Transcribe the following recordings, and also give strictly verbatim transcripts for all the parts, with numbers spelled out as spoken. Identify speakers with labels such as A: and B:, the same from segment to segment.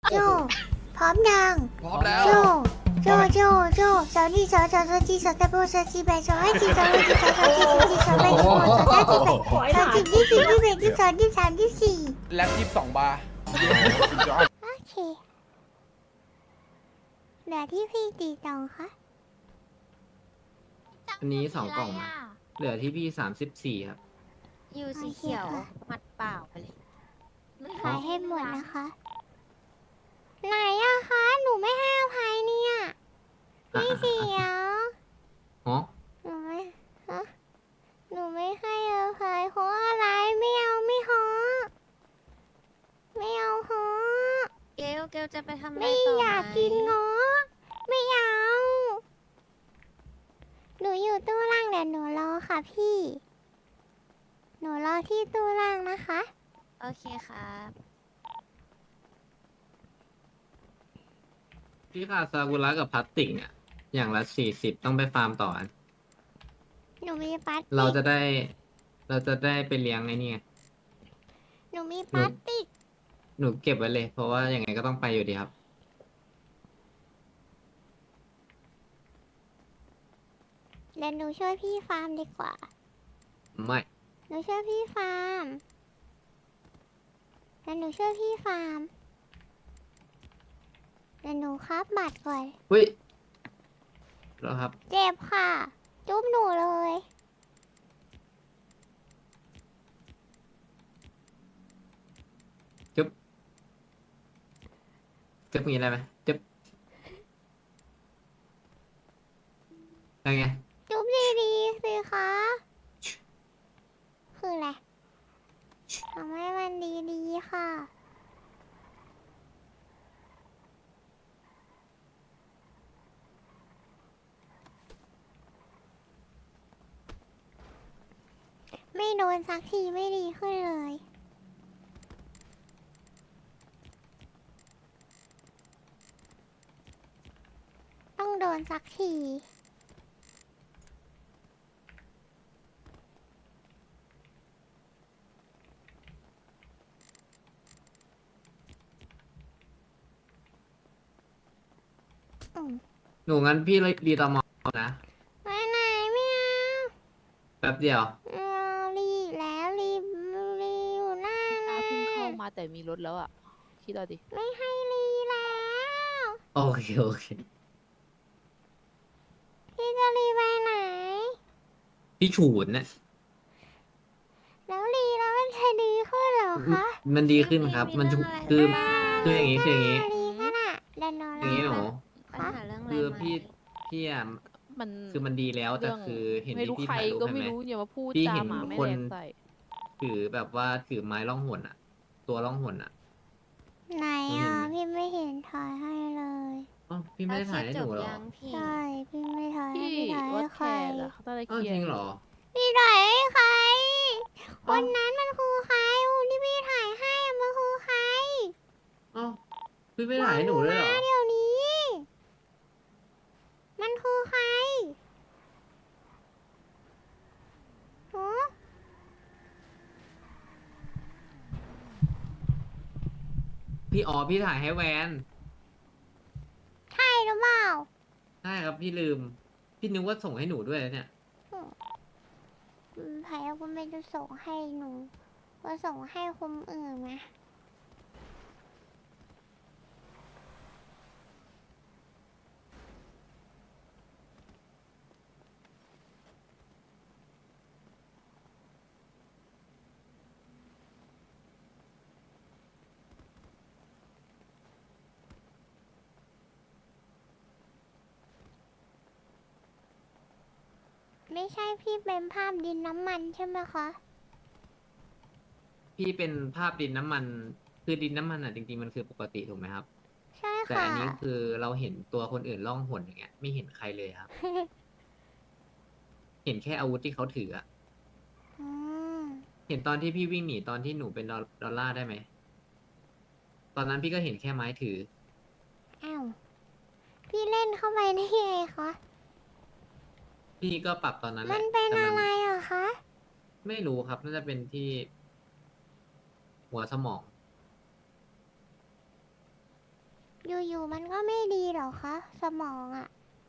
A: โจพร้อมยัง
B: พร้อมแล้ว
A: โจโจโจโจสาวนี่สาวสาวสาวจีสาวตะโบสาวจีแบสาวให้จีสาวให้จีสาวสาวจีสาวจีสาวแบสาวสาวจีแบสาวจีที่สี่ที่แบที่สองที่สามที่สี่
B: แล็บยี่สิบสองบาร์
A: โอเคเหลือที่พี่ตีตองคะ
C: อันนี้สองกล่องมาเหลือที่พี่สามสิบสี่ครับ
D: ยูสีเขียวหมัดเปล่าไปเลย
A: ขายให้หมดนะคะ ไหนอะคะหนูไม่ให้อภัยเนี่ยพี่เสียว
C: อ๋อ
A: หนูไม่ฮะหนูไม่ให้อภัยเพราะอะไรไม่เอาไม่ฮอไม่เอาฮอ
D: เกลเกลจะไปทำอะไร
A: ไม่
D: ต่อ
A: อยากกินงอไม่เอาหนูอยู่ตู้ล่างเดี๋ยวหนูรอค่ะพี่ หนูรอที่ตู้ล่างนะคะ
D: โอเคครับ
C: พี่ขาดซากุระกับพลาสติกเนี่ย อย่างละสี่สิบต้องไปฟาร์มต่ออัน
A: หนูมีพลาสติก
C: เราจะได้ เราจะได้ไปเลี้ยงไอ้นี่ไง
A: หนูมีพลาสติก
C: หนูเก็บไว้เลย เพราะว่ายังไงก็ต้องไปอยู่ดีครับ
A: เดี๋ยวหนูช่วยพี่ฟาร์มดีกว่า
C: ไม่
A: หนูช่วยพี่ฟาร์มเดี๋ยวหนูช่วยพี่ฟาร์มเดี๋ยวหนูครับบัตรก่อน
C: อุ้ยแล้วครับ
A: เจ็บค่ะ จุ๊บหนูเลย
C: จุ๊บจุ๊บมีอะไรไหมจุ๊บอะไรไง
A: จุ๊บดีๆสิคะ คืออะไรทำให้มันดีๆค่ะ ไม่โดนสักทีไม่ดีขึ้นเลย ต้องโดนสักที อืม
C: หนูงั้นพี่เลยรีตอมอนะ
A: ไปไหนไม่เอา
C: แป๊บเดียว
A: เอารีบแล้วรีบรีบอยู่หน้า
E: ถ้า
A: นะ
E: เพิ่งเข้ามาแต่มีรถแล้วอ่ะ คิดเอาดิ
A: ไม่ให้รีแล้ว
C: โอเค โอเค
A: พี่จะรีไปไหน
C: พี่ฉูดนะ
A: แล้วรีแล้วมันจะดีขึ้นเหรอคะ
C: มันดีขึ้นครับ มันจะคือ คืออย่างนี้คืออย่างนี้
A: รีก็น่ะเดี๋ยวหนู
C: อย่างนี้หนู
D: ปัญหาเรื่องอะไร
C: คือ
D: ไหม
C: พี่พี่อ่ะ
E: มัน
C: คือมันดีแล้วแต่
E: เรื่อง
C: คือเห็น
E: ไม่
C: ที่
E: รู้
C: พี่
E: ใคร
C: ถ่ายรูป
E: ก็
C: ใช่
E: ไม่
C: ไหม
E: รู้อย่ามาพูด
C: พี่
E: จา
C: เห็น
E: หมาไม่
C: คน
E: แรงใส่
C: ถือแบบว่าถือไม้ล่องหนอ่ะ ตัวล่องหนอ่ะ
A: ไหน
C: เห็
A: อ่ะ
C: นไหม
A: พี่ไม่เห็นถ่ายให้เลย
C: อ๋อพี่ไม่ได้ถ่ายให้หนูเหรอ
D: แล้วเคลียร์จบยังพี่
A: ใช่พี่ไม่ถ่ายให้
E: พี่
A: พี่ถ่าย
E: วั
A: ให้
E: ด
A: ใค
E: แค
A: ร
E: ร์อะเขาต้องได้
C: อ้าว
E: เคลีย
C: จริง
E: ร์
C: เหรอ
A: พี่ถ่ายให้ใครค
C: อ้าวน
A: นั้นมันคือใครคนที่พี่ถ่ายให้อะมันคือใคร
C: อ้าวพี่ไม่ถ่ายให้หนูด้วยเหรอ
A: มาเดี๋ยวนี้ มันคือใครฮะ
C: พี่อ๋อพี่ถ่ายให้แวน
A: ใช่หรือเปล่า
C: ใช่ครับพี่ลืม พี่นึกว่าส่งให้หนูด้วยนะเนี่ย
A: อืมไผ่ก็ไม่ได้ส่งให้หนูก็ส่งให้คนอื่นนะไม่ใช่พี่เป็นภาพดินน้ำมันใช่ไหมคะ
C: พี่เป็นภาพดินน้ำมัน คือดินน้ำมันอ่ะจริงๆมันคือปกติถูกไหมครับ
A: ใช่
C: แต่
A: ค่ะ
C: อันนี้คือเราเห็นตัวคนอื่นล่องหนอย่างเงี้ย ไม่เห็นใครเลยครับ เห็นแค่อาวุธที่เขาถืออะ
A: อืม
C: เห็นตอนที่พี่วิ่งหนีตอนที่หนูเป็นดอลดอลลาร์ได้ไหม ตอนนั้นพี่ก็เห็นแค่ไม้ถือ
A: อ้าวพี่เล่นเข้าไปได้ไงคะ
C: พี่ก็ปรับตอนนั้นแห
A: มั
C: ละ
A: นเป็น
C: แต่
A: อะไร
C: มั
A: อะคะ
C: ไม่รู้ครับ น่าจะเป็นที่หัวสมอง
A: อยู่ๆมันก็ไม่ดีหรอคะสมองอะ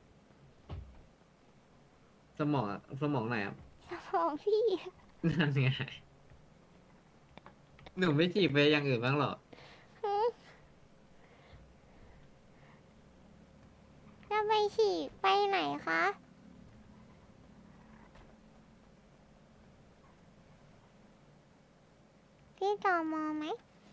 C: สมองอะสมองไหนครับ
A: สมองพี่
C: นั่นไงหนูไม่จีบไปอย่างอื่นบ้างเหรอ
A: จะไปฉีกไปไหนคะ พี่จอมอไหม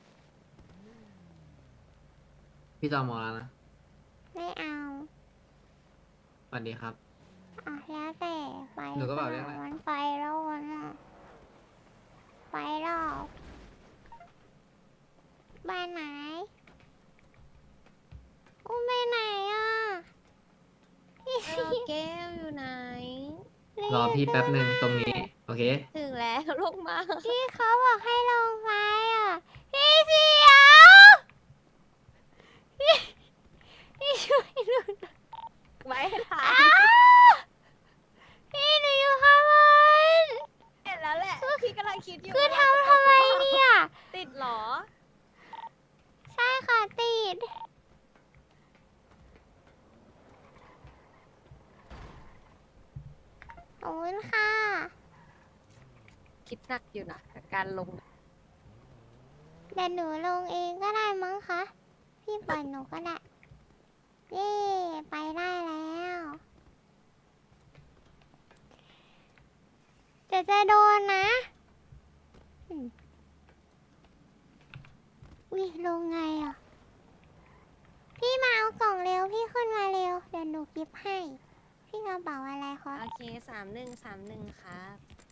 C: พี่จอมอแล้วนะ
A: ไม่เอา
C: สวัสดีครับ
A: อ่ะแล้วแต่ไป
C: หนูก็บอกเรื่องอะไร
A: มันไปแล้วมันอะไปแล้วบ้านไหนอุ้มไปไหนอ่ะพี่
D: เออแก้วอยู่ไหน
C: รอพี่แป๊บหนึ่งตรงนี้ โอเค
D: ถึงแล้วลงมา
A: พี่เขาบอกให้ลงไปอ่ะ พี่เสียวพี่พี่ช่วยหนูหน่อย
D: ไว้ให้ถ่า
A: อ้าย วพี่หนูอยู่ข้างบน
D: เห็นแล้วแหละ พี่กำลังคิดอยู่
A: คือ
D: ว่า
A: ทำทำไมเนี่ย
D: ติดเหรอ
A: ใช่ค่ะติดขอบคุณค่ะ
D: คิดหนักอยู่นะกับการลง
A: เดี๋ยวหนูลงเองก็ได้มั้งคะ พี่ปล่อยหนูก็ได้ เย่ไปได้แล้วแต่จะโดนนะอืมอุ้ยลงไงอ่ะ พี่มาเอากล่องเร็ว พี่ขึ้นมาเร็ว เดี๋ยวหนูกิฟให้ พี่กระเป๋าอะไรคะ
D: โอเคสามหนึ่งสามหนึ่งครับ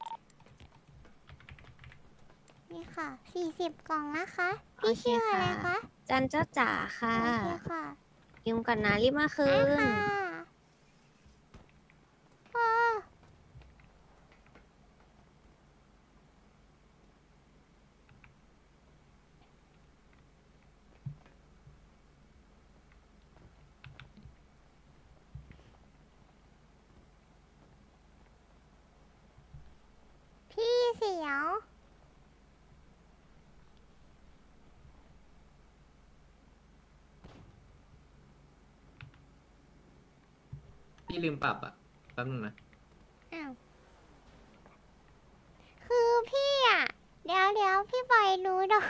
A: นี่ค่ะ สี่สิบกล่องนะคะ
D: โอ
A: พี่
D: เค
A: ชื่ออะไร
D: ค่ะ
A: คะ
D: จันเจ้าจ๋าค่ะ
A: โอเคค่ะ
D: ยืมก่อนนะรีบมาคื
A: ได้
D: น
A: ค่ะเออพี่เสียว
C: พี่ลืมปรับอ่ะ แป๊บนึงนะ
A: อ้าว คือพี่อ่ะ เดี๋ยวเดี๋ยวพี่ปล่อยหนูดอก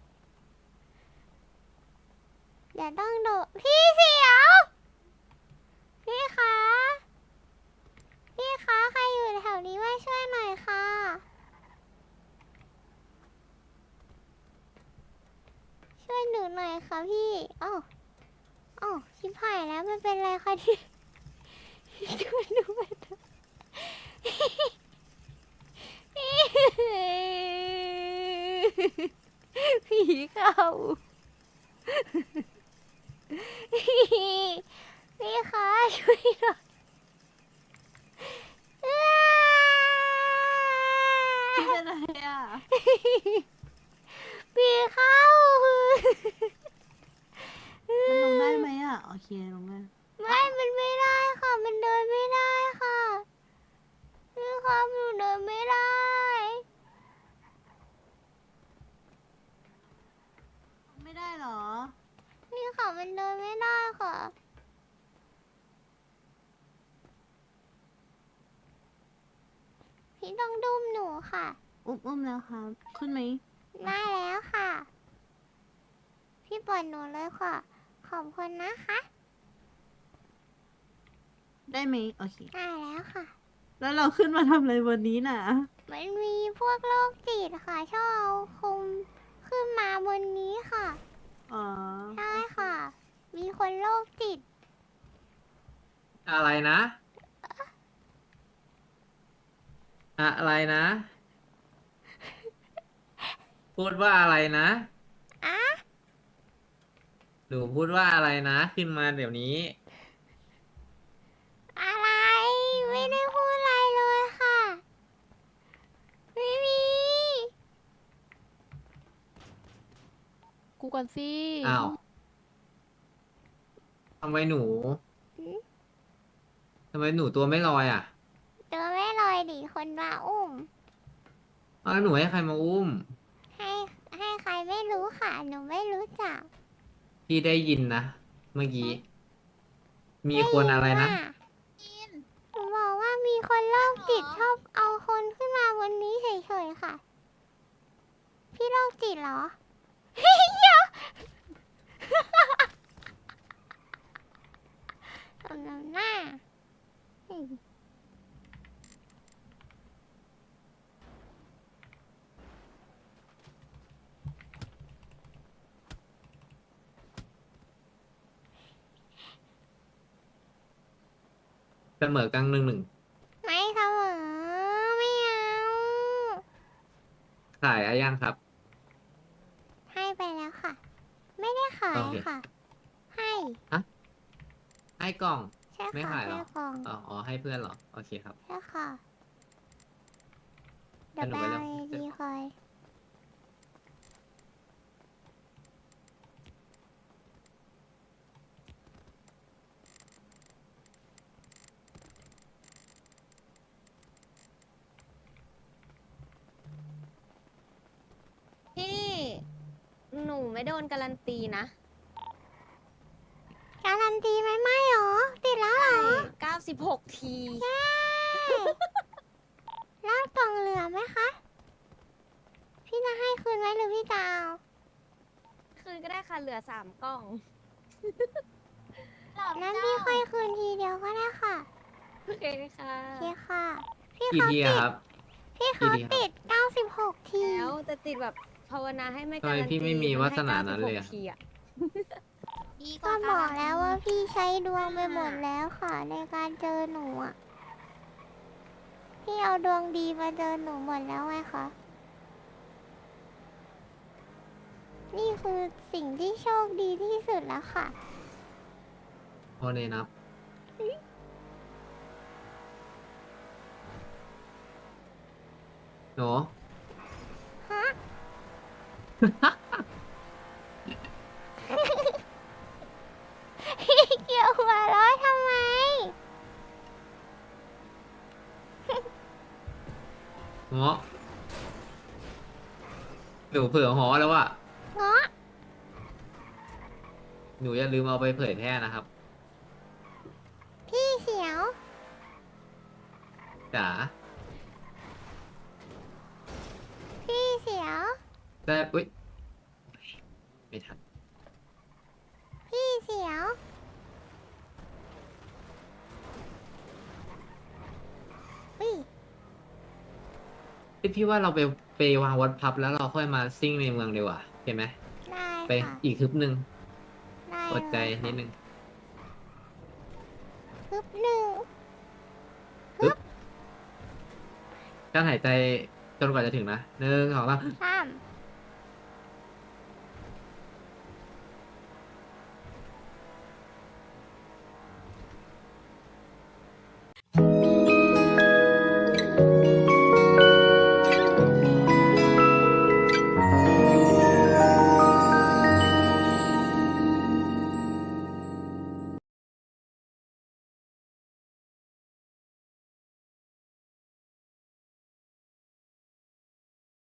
A: เดี๋ยวต้องดูพี่เสียว พี่คะ พี่คะ ใครอยู่แถวนี้มาช่วยหน่อยค่ะ ช่วยหนูหน่อยค่ะพี่อ้าวอ้าวชิบหายแล้วมันเป็นไรคะที่ช่วยหนูไปเถอะผีเข้าพี่คะช่วยหน่อยอ้า
E: พี่เป็นอะไรอ่ะ
A: ผีเข้า
E: มันลงได้ไหมอ่ะ โอเคลงได้
A: ไม่ มันไม่ได้ค่ะ มันเดินไม่ได้ค่ะพี่ครับหนูเดินไม่ได้
E: ไม่ได้เหรอ
A: นี่ค่ะ มันเดินไม่ได้ค่ะ พี่ต้องดุ้มหนูค่ะ
E: อุ้มอุ้มแล้วครับ ขึ้นไหม
A: ได้แล้วค่ะ พี่ปล่อยหนูเลยค่ะ ขอบคุณนะคะ
E: ได้ไหมโอเค
A: ได้แล้วค่ะ
E: แล้วเราขึ้นมาทำอะไรวันนี้น่ะ
A: มันมีพวกโรคจิตค่ะ ชอบเอาคุมขึ้นมาบนนี้ค่ะ
E: อ๋อ
A: ใช่ค่ะ มีคนโรคจิต
C: อะไรนะ อะไรนะ พูดว่าอะไรนะ
A: อะ
C: หนูพูดว่าอะไรนะ ขึ้นมาเดี๋ยวนี้
A: อะไร ไม่ได้พูดอะไรเลยค่ะ ไม่มี
E: กูก่อนสิ
C: อ้าวทำไมหนู
A: หืม
C: ทำไมหนูตัวไม่ลอยอ่ะ
A: ตัวไม่ลอยดิคนมาอุ้ม
C: อ้าวหนูให้ใครมาอุ้ม
A: ให้ให้ใครไม่รู้ค่ะ หนูไม่รู้จัก
C: พี่ได้ยินนะเมื่อกี้ มีคนอะไรนะ
A: หนูบอกว่ามีคนโรคจิตชอบเอาคนขึ้นมาบนนี้เฉยๆค่ะ พี่โรคจิตเหรอ เฮ้ยเดี๋ยวสมน้ำหน้าเฮ้ย
C: เสมอกลางหนึ่งหนึ่ง
A: ไม่เสมอไม่เอา
C: ขายอะไรยังครับ
A: ให้ไปแล้วค่ะ ไม่ได้ขาย
C: โอเค
A: ค่ะ ให้
C: ให้กล่อง
A: ใช่
C: ไม่
A: ค่ะ
C: ขายเหรอ
A: ให้กล่อง
C: อ๋ออ๋อให้เพื่อนเหรอ โอเคครับ
A: ใช่ค่ะ เดี๋ยว
C: งั้
A: ไป
C: นหนู
A: เอา
C: ไปเลือก
A: ดีคอย
D: พี่ หนูไม่โดนการันตีนะ
A: การันตีไหมไม่หรอ ติดแล้วเหรอ
D: เก้าสิบหกที
A: ใช่แล้วกล่องเหลือไหมคะ พี่จะให้คืนไหมหรือพี่จะเอา
D: คืนก็ได้ค่ะ เหลือสามกล่อง
A: นั้นพี่ค่อยคืนทีเดียวก็ได้ค่ะ
D: โอเคค่ะ
A: โอเคค่ะ พี่
C: กี่
A: เขา
C: ที
A: ติ
C: อะ
A: ด
C: ครับ
A: พี่เขา
C: กี่ทีครับ
A: ติดเก้าสิบหกที
D: แล้วแต่ติดแบบภาวนาให้ไม่
C: ทำไม
D: การันตี
C: พี่ไม่มี
D: น
C: วา
D: ให้
C: สนานั้นเลยอะ
D: ก้สิบหกทีอะ
A: ก็บอกแล้วว่าพี่ใช้ดวงไปหมดแล้วค่ะ ในการเจอหนูอ่ะ พี่เอาดวงดีมาเจอหนูหมดแล้วไงคะ นี่คือสิ่งที่โชคดีที่สุดแล้วค่ะ
C: พอเนนับ หนู
A: ฮะ เกี่ยวหัวเร้อทำไม
C: เงาะหนูเผื่อหอแล้วว่ะ
A: เงาะ
C: หนูอย่าลืมเอาไปเผยแพร่นะครับ
A: พี่เสียว
C: จ๋า
A: พี่เสียว
C: แต่อุ้ย ไม่ทัน
A: พี่เสียว อุ้ย
C: พี่พี่ว่าเราไปไปวางวัดพับแล้วเราค่อยมาซิ่งในเมืองดีกว่าเห็นไหม
A: ได้
C: ไป
A: ค่ะ
C: อีกฮึบหนึ่ง
A: ได้
C: อดใจ
A: เลย
C: นิดนึง
A: ฮึบหนึ่ง
C: ฮึบการหายใจจนกว่าจะถึงนะหนึ่งสองสาม
A: สาม